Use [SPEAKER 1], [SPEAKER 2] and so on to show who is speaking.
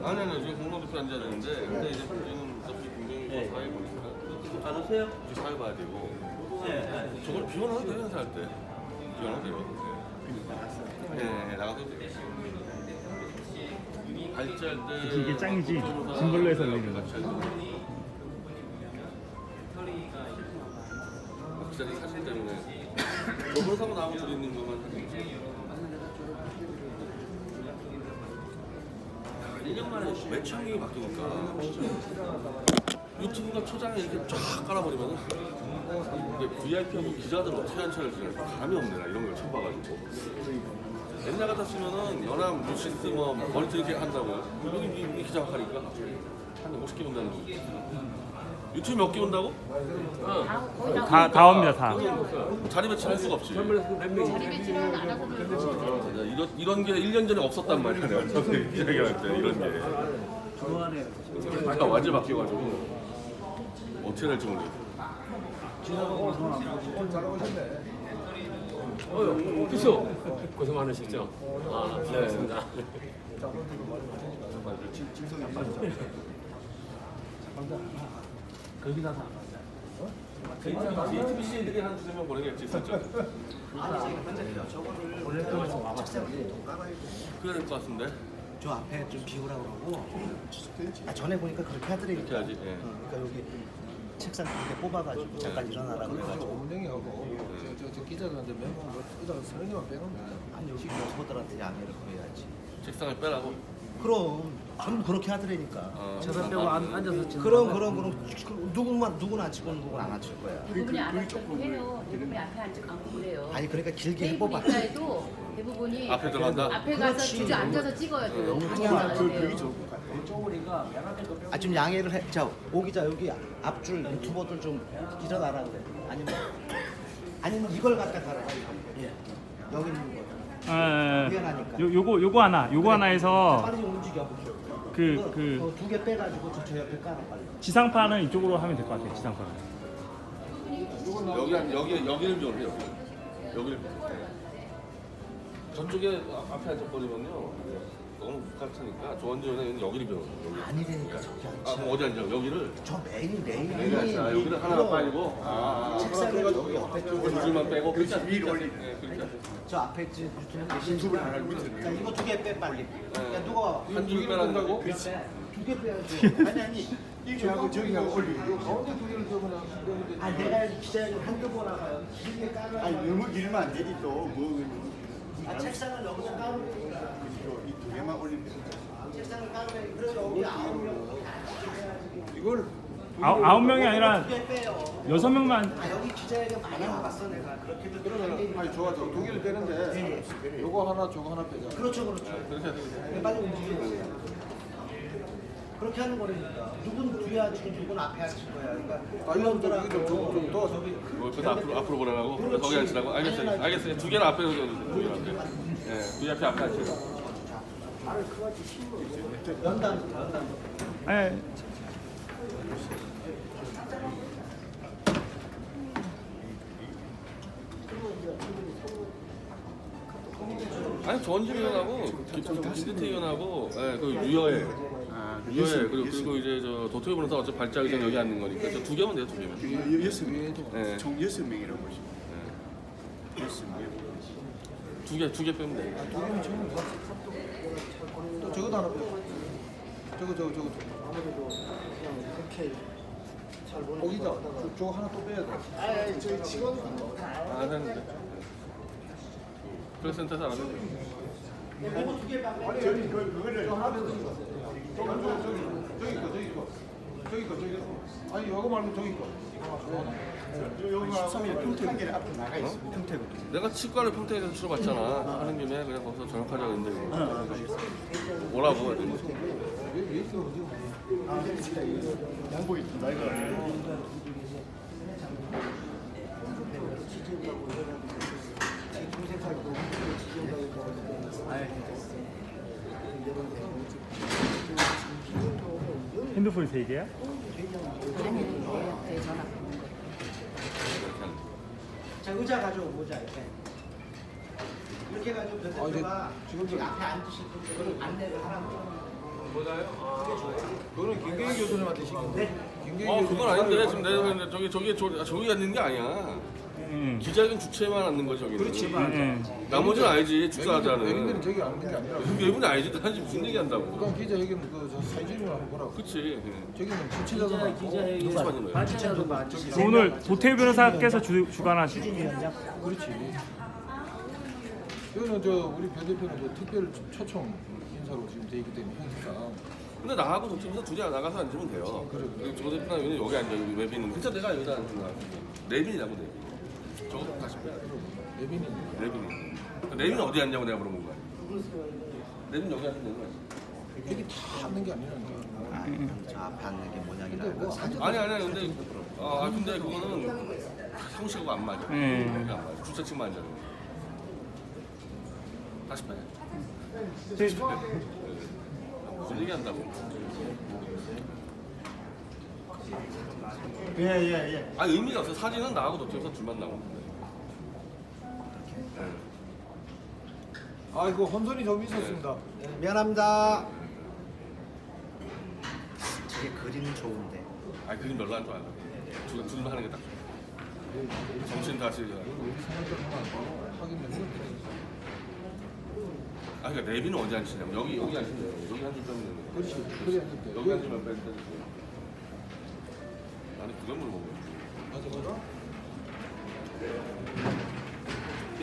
[SPEAKER 1] 아니 지금 공동대표 앉아야 되는데 근데 이제 지금 어차피 공동대표 사회 보니까
[SPEAKER 2] 안 오세요?
[SPEAKER 1] 이제 사회 봐야 되고
[SPEAKER 2] 네.
[SPEAKER 1] 저걸 비워놔도 돼요 행사할 때 비워놔도 돼요. 네 나가도 돼요. 발제할 때
[SPEAKER 3] 이게 짱이지. 짐벌로 해서 올리는 거.
[SPEAKER 1] 기자님 사진 때문에 저번 사고 나하고 드리는 것만 사진이지. 1년 만에 매창이 바뀌니까 유튜브가 초장에 이렇게 쫙 깔아버리면은 VIP하고 기자들 어떻게 한 차를 지내 감이 없네 나 이런 걸 처음 봐가지고 옛날 같았으면은 연합 뉴시스 뭐 머리띠 이렇게 한다고 여기 기자 역할이니까 한 50개 온다는 거 유튜브 몇 개 온다고?
[SPEAKER 3] 다 옵니다, 다.
[SPEAKER 1] 자리 배치를 할 수가 없지
[SPEAKER 4] 자리 배치는 안 하고
[SPEAKER 1] 이런 게 1년 전에 없었단 말이야 내가 처음에 기자회견할 때 이런 게
[SPEAKER 2] 좋아하네요.
[SPEAKER 1] 아, 완전 바뀌어가지고 어떻게 될지 모르겠어.
[SPEAKER 5] 그죠? 고생 많으셨죠? 아, 네. 고맙습니다.
[SPEAKER 2] 거기다 다.
[SPEAKER 1] TBC들이 한 두세 명 보내겠지 살짝. 그래야 될 것 같은데.
[SPEAKER 6] 저 앞에 좀 비우라고 그러고 전에 보니까 그렇게 하더라니까.
[SPEAKER 1] 그렇게 하지, 예.
[SPEAKER 6] 그러니까 여기 책상 2개 뽑아가지고 잠깐 일어나라 그래가지고
[SPEAKER 7] 운동이하고 저 기자들한테 몇명 이따가 서너 개만 빼놓으면
[SPEAKER 6] 아니 여기 여성분들한테 양해를 구해야지.
[SPEAKER 1] 책상을 빼라고.
[SPEAKER 6] 그럼 전부 그렇게 하더라니까.
[SPEAKER 2] 저사 빼고 앉아서 찍는
[SPEAKER 6] 그럼 누구는 안 치고 누구는 안 앉힐 거야.
[SPEAKER 4] 대부분이 안 앉고 해요. 대부분이 앞에 앉고 그래요.
[SPEAKER 6] 아니 그러니까 길게
[SPEAKER 4] 테이블
[SPEAKER 6] 해봐봐.
[SPEAKER 4] 입자에도 대부분이
[SPEAKER 1] 앞에 들어간다.
[SPEAKER 4] 앞에 가서
[SPEAKER 6] 그렇지.
[SPEAKER 4] 주저 앉아서 찍어야 돼요. 방에 앉아야 돼요.
[SPEAKER 6] 아 좀 양해를 해. 자 오기자 여기 앞줄 유튜버들 좀 일어나라 그래. 아니면 이걸 갖다 달아. 예. 여기 있는 거. 미안하니까.
[SPEAKER 3] 요거 하나에서
[SPEAKER 6] 빨리 좀 움직여.
[SPEAKER 3] 그
[SPEAKER 6] 2개 빼가지고 저 옆에 깔아 빨리.
[SPEAKER 3] 지상파는 이쪽으로 하면 될 것 같아요. 지상파는.
[SPEAKER 1] 여기를 좀 해요. 여기를. 저쪽에 앞에 앉아버리면요. 너무 북같으니까 조원지원은 여기를 비워.
[SPEAKER 6] 아니라니까 저기
[SPEAKER 1] 아
[SPEAKER 6] 앉지.
[SPEAKER 1] 그럼 어디 앉아? 여기를?
[SPEAKER 6] 저 메인이.
[SPEAKER 1] 자, 여기를 하나 빠지고.
[SPEAKER 6] 책상에 저기 옆에 쪽에
[SPEAKER 1] 두 줄만 빼고 그렇게 위로 올리. 네, 그렇게 하세요.
[SPEAKER 6] 저 앞에 있지 유튜브 하나 자 이거 2개 빼 빨리. 야 누가
[SPEAKER 1] 한 줄 빼라는 거고.
[SPEAKER 6] 2개 빼야지. 아니
[SPEAKER 7] 이쪽하고 저기하고 올리고 가운데 두 개를 더 그냥
[SPEAKER 6] 아 내가 기자님 한두 번 하고요. 길게 깔아.
[SPEAKER 7] 아니 너무 길면 안 되지 또뭐
[SPEAKER 6] 아 책상을 여기서 깔으면
[SPEAKER 7] 이두 개만 올리면
[SPEAKER 6] 책상을 깔으면 그래서 여기 9명.
[SPEAKER 7] 이걸
[SPEAKER 3] 9명이 아니라
[SPEAKER 6] 2개 빼요.
[SPEAKER 3] 6명만.
[SPEAKER 6] 아 여기 기자회견 많이 와봤어 내가. 그렇게도
[SPEAKER 7] 그러면 아니 좋아 두 개를 빼는데 요거 하나 저거 하나 빼자.
[SPEAKER 6] 그렇죠.
[SPEAKER 1] 그렇게 해야
[SPEAKER 6] 빨리 움직여. 그렇게 하는 거라니까. 누군 뒤에 앉히고 누군 앞에 앉힐 거야. 그러니까
[SPEAKER 7] 아 이건 좀 도와줘.
[SPEAKER 1] 뭐 앞으로 보내라고? 거기 앉으라고? 알겠어요. 두 개를 앞에 놓으세요. 두 개를 앞에. 예, VIP 앞에 앉으세요.
[SPEAKER 6] 연단.
[SPEAKER 3] 예.
[SPEAKER 1] 아니 조원진 의원하고 김진태 의원하고 예, 그 유여해. 유여해. 그리고 이제 저 도토리 변호사 어차피 발자의장 여기 앉는 거니까 저 두 개면 돼요. 두 개면.
[SPEAKER 7] 여섯 명
[SPEAKER 1] 네.
[SPEAKER 7] 총 6명이라고 보시면 여섯 명.
[SPEAKER 1] 두 개 빼면 돼.
[SPEAKER 7] 또 저거도 하나 빼. 저거. 거기다 저거 하나 또 빼야 돼.
[SPEAKER 6] 아니 저희 직원.
[SPEAKER 1] 안 하는데. 프레스센터에서 안 하는데.
[SPEAKER 6] 이거 2개 빼.
[SPEAKER 7] 아니 그거를 하나 빼. 저기 거. 아니 이거 말고 저기 거. 여기 13일 평택 앞에 나가 있어. 평택.
[SPEAKER 1] 내가 치과를 평택에서 치러봤잖아. 하는 김에 그냥 거기서 전역하자 그랬는데 뭐라고 해야 되는
[SPEAKER 7] 양보 있다. 이거.
[SPEAKER 3] 핸드폰 3개야?
[SPEAKER 4] 아니, 얘한테 전화.
[SPEAKER 6] 자 의자 가져오자 이렇게. 이렇게 가지고 변대표가
[SPEAKER 7] 지금
[SPEAKER 6] 앞에 앉으실 분들 안내를 하라고.
[SPEAKER 7] 그거는 김경희 교수님한테 시킨 거. 김경희
[SPEAKER 1] 그건 아닌데 지금 내가 저기 앉는 게 아니야. 기자회견 주최만 앉는 거죠 저기는.
[SPEAKER 7] 그렇지.
[SPEAKER 1] 나머지는 알지 축사하자는.
[SPEAKER 7] 외국인들은 저기 앉는 게 아니라.
[SPEAKER 1] 외국인 알지. 난 지금 무슨 얘기한다고.
[SPEAKER 7] 북한 기자회견 그저 사진을 한번 보라고.
[SPEAKER 1] 그치.
[SPEAKER 7] 저기는 주최자도 많고.
[SPEAKER 2] 기자회견
[SPEAKER 1] 누가 받는 거야?
[SPEAKER 2] 반찬도 많지.
[SPEAKER 3] 오늘 도태우 변호사께서 주관하신.
[SPEAKER 7] 그렇지. 이거는 저 우리 변 대표는 그 특별 초청 인사로 지금 돼 있기 때문에 형식상.
[SPEAKER 1] 근데 나하고 동치면서 둘이 나가서 앉으면 돼요. 그래. 조 대표나 여기 여기 앉아. 여기 외빈은. 진짜 내가 여기다 앉은 거야. 내빈이라고 내빈. 저거 다시 빼.
[SPEAKER 7] 예빈이.
[SPEAKER 1] 내빈이. 내빈은 어디 앉냐고 내가 물어본 거야. 내빈 여기 앉으면 되는 거야.
[SPEAKER 7] 여기 다 앉는 게 아니라니까.
[SPEAKER 6] 저 앞에 앉는 게 뭐냐기나
[SPEAKER 7] 근데 뭐 사진
[SPEAKER 1] 아니 근데 근데 그거는 형식하고 안 맞아. 그게 안 맞아. 주차측만 앉아. 다시 빼. 무슨 얘기한다고?
[SPEAKER 6] 예예예.
[SPEAKER 1] 의미가 없어. 사진은 나하고 도태우서 둘만 나오는데.
[SPEAKER 7] 이거 혼선이 좀 있었습니다.
[SPEAKER 6] 미안합니다. 저게 그림은 좋은데.
[SPEAKER 1] 그림 별로 안 좋아요. 둘만 하는 게 딱 좋아. 정신 다시.
[SPEAKER 7] 우리 생활적으로 확인을 해볼게요.
[SPEAKER 1] 그러니까 내비는 어디 앉히냐면 여기 앉히면 돼요. 여기 앉을 때는
[SPEAKER 7] 그렇지. 그래 앉을 때.
[SPEAKER 1] 여기 앉으면 빼. 나는 그걸 물어본 거야.
[SPEAKER 7] 맞아 맞아.